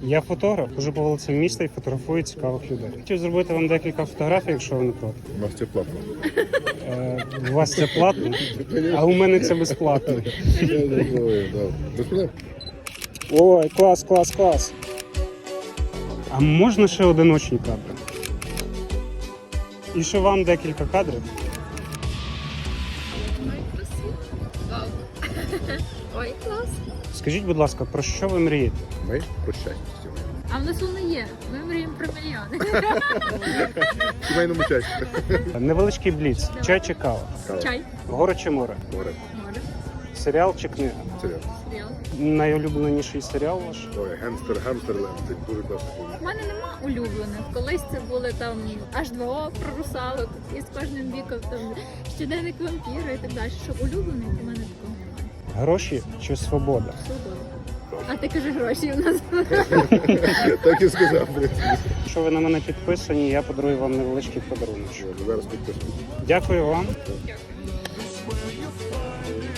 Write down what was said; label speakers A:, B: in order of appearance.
A: Я фотограф, хожу по вулицям міста і фотографую цікавих людей. Хотів зробити вам декілька фотографій, якщо ви не проти.
B: У нас це платно.
A: У вас це платно, а у мене це безплатно.
B: Без проблем.
A: Ой, клас, клас, клас. А можна ще одиночні кадри? І ще вам декілька кадрів.
C: Ой, красиво. Вау. Ой, клас.
A: Скажіть, будь ласка, про що ви мрієте?
B: Ми про щастя сьогодні.
C: А в нас воно є. Ми мріємо про мільйони.
B: В сімейному щасті.
A: Невеличкий бліц. Чай чи кава?
C: Чай.
A: Гори чи море?
B: Море.
C: Море.
A: Серіал чи книга?
B: Серіал.
C: Серіал.
A: Найулюбленіший серіал ваш?
B: Ой, Гемстерленд. Це дуже класно.
C: У мене нема улюблених. Колись це були там H2O про русалок, і з кожним віком там щоденник вампіра і так далі. Щоб улюблених у мене такого немає.
A: Гроші чи свобода?
C: Свобода. А ти кажеш гроші у нас.
B: Так і сказав.
A: Якщо ви на мене підписані, я подарую вам невеличкий подарунок.
B: Зараз підписуємо.
A: Дякую вам.
C: Дякую.